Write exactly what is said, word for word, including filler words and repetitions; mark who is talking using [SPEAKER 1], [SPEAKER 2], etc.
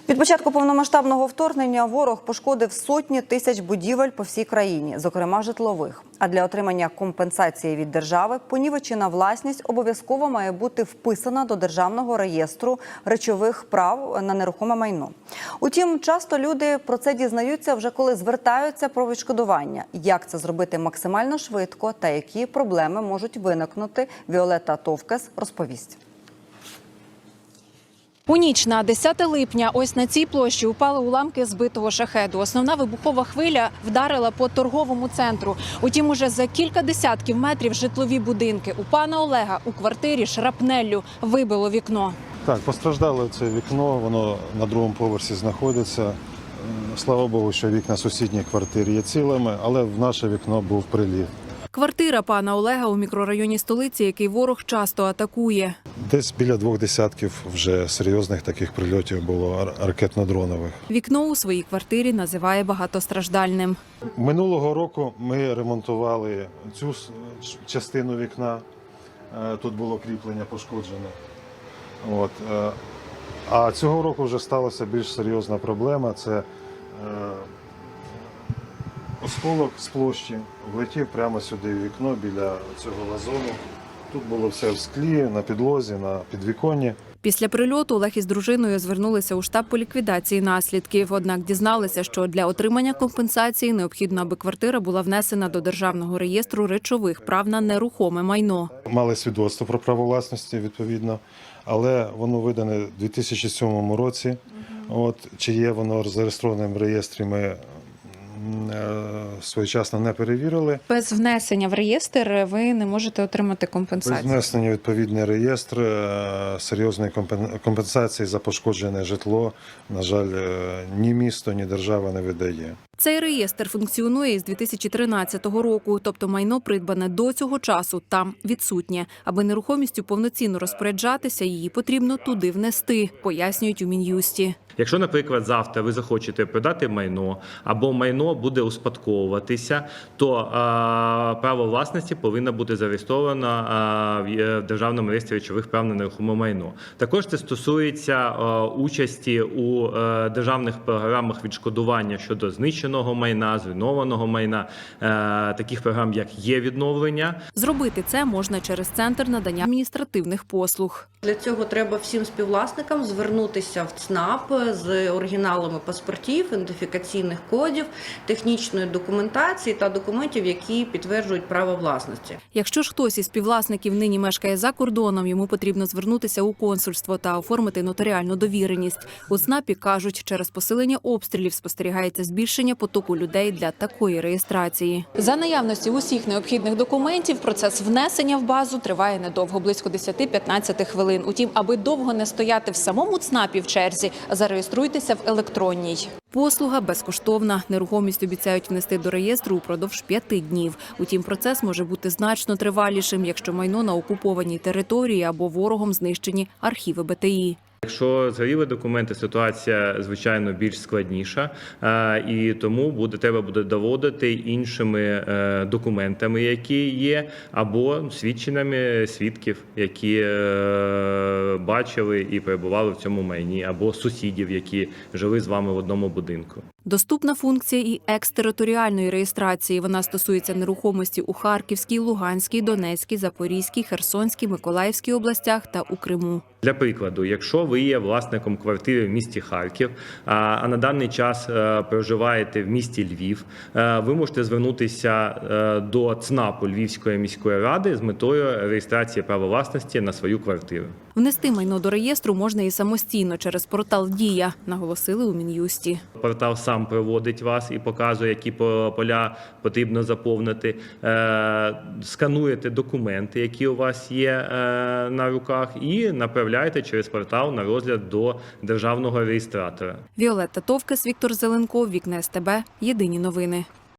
[SPEAKER 1] Від початку повномасштабного вторгнення ворог пошкодив сотні тисяч будівель по всій країні, зокрема житлових. А для отримання компенсації від держави понівечена власність обов'язково має бути вписана до Державного реєстру речових прав на нерухоме майно. Утім, часто люди про це дізнаються вже коли звертаються про відшкодування. Як це зробити максимально швидко та які проблеми можуть виникнути, Віолетта Товкес розповість.
[SPEAKER 2] У ніч на десяте липня ось на цій площі упали уламки збитого шахеду. Основна вибухова хвиля вдарила по торговому центру. Утім, уже за кілька десятків метрів житлові будинки. У пана Олега у квартирі шрапнеллю вибило вікно.
[SPEAKER 3] Так, постраждало це вікно, воно на другому поверсі знаходиться. Слава Богу, що вікна сусідньої квартири є цілими, але в наше вікно був приліт.
[SPEAKER 2] Квартира пана Олега у мікрорайоні столиці, який ворог часто атакує.
[SPEAKER 3] Десь біля двох десятків вже серйозних таких прильотів було ракетно-дронових.
[SPEAKER 2] Вікно у своїй квартирі називає багатостраждальним.
[SPEAKER 3] Минулого року ми ремонтували цю частину вікна. Тут було кріплення пошкоджене. От. А цього року вже сталася більш серйозна проблема. Це осколок з площі влетів прямо сюди в вікно біля цього вазону. Тут було все в склі, на підлозі, на підвіконні.
[SPEAKER 2] Після прильоту Олег із дружиною звернулися у штаб по ліквідації наслідків. Однак дізналися, що для отримання компенсації необхідно, аби квартира була внесена до Державного реєстру речових прав на нерухоме майно.
[SPEAKER 3] Мали свідоцтво про право власності, відповідно, але воно видане у дві тисячі сьомому році. От, чи є воно зареєстроване в реєстрі, ми своєчасно не перевірили.
[SPEAKER 2] Без внесення в реєстр ви не можете отримати компенсацію?
[SPEAKER 3] Без внесення в відповідний реєстр серйозної компенсації за пошкоджене житло, на жаль, ні місто, ні держава не видає.
[SPEAKER 2] Цей реєстр функціонує із дві тисячі тринадцятого року, тобто майно, придбане до цього часу, там відсутнє. Аби нерухомістю повноцінно розпоряджатися, її потрібно туди внести, пояснюють у Мін'юсті.
[SPEAKER 4] Якщо, наприклад, завтра ви захочете продати майно або майно буде успадковуватися, то а, право власності повинно бути зареєстровано а, в Державному реєстрі речових прав на нерухоме майно. Також це стосується а, участі у а, державних програмах відшкодування щодо знищеного майна, зруйнованого майна, а, таких програм, як є-відновлення.
[SPEAKER 2] Зробити це можна через Центр надання адміністративних послуг.
[SPEAKER 5] Для цього треба всім співвласникам звернутися в ЦНАП з оригіналами паспортів, ідентифікаційних кодів, технічної документації та документів, які підтверджують право власності.
[SPEAKER 2] Якщо ж хтось із співвласників нині мешкає за кордоном, йому потрібно звернутися у консульство та оформити нотаріальну довіреність. У ЦНАПі кажуть, через посилення обстрілів спостерігається збільшення потоку людей для такої реєстрації. За наявності усіх необхідних документів процес внесення в базу триває недовго, близько десять-п'ятнадцять хвилин. Утім, аби довго не стояти в самому ЦНАПі в черзі, зареєструйтеся в електронній. Послуга безкоштовна. Нерухомість обіцяють внести до реєстру упродовж п'яти днів. Утім, процес може бути значно тривалішим, якщо майно на окупованій території або ворогом знищені архіви Б Т І.
[SPEAKER 4] Якщо згоріли документи, ситуація, звичайно, більш складніша, і тому буде, треба буде доводити іншими документами, які є, або свідченнями свідків, які бачили і перебували в цьому майні, або сусідів, які жили з вами в одному будинку.
[SPEAKER 2] Доступна функція і екстериторіальної реєстрації. Вона стосується нерухомості у Харківській, Луганській, Донецькій, Запорізькій, Херсонській, Миколаївській областях та у Криму.
[SPEAKER 4] Для прикладу, якщо ви є власником квартири в місті Харків, а на даний час проживаєте в місті Львів, ви можете звернутися до ЦНАПу Львівської міської ради з метою реєстрації права власності на свою квартиру.
[SPEAKER 2] Внести майно до реєстру можна і самостійно через портал «Дія», наголосили у Мін'юсті.
[SPEAKER 4] Портал сам проводить вас і показує, які поля потрібно заповнити. Скануєте документи, які у вас є на руках, і направляєте через портал на розгляд до державного реєстратора.
[SPEAKER 2] Віолетта Товкес, Віктор Зеленков, Вікна С Т Б. Єдині новини.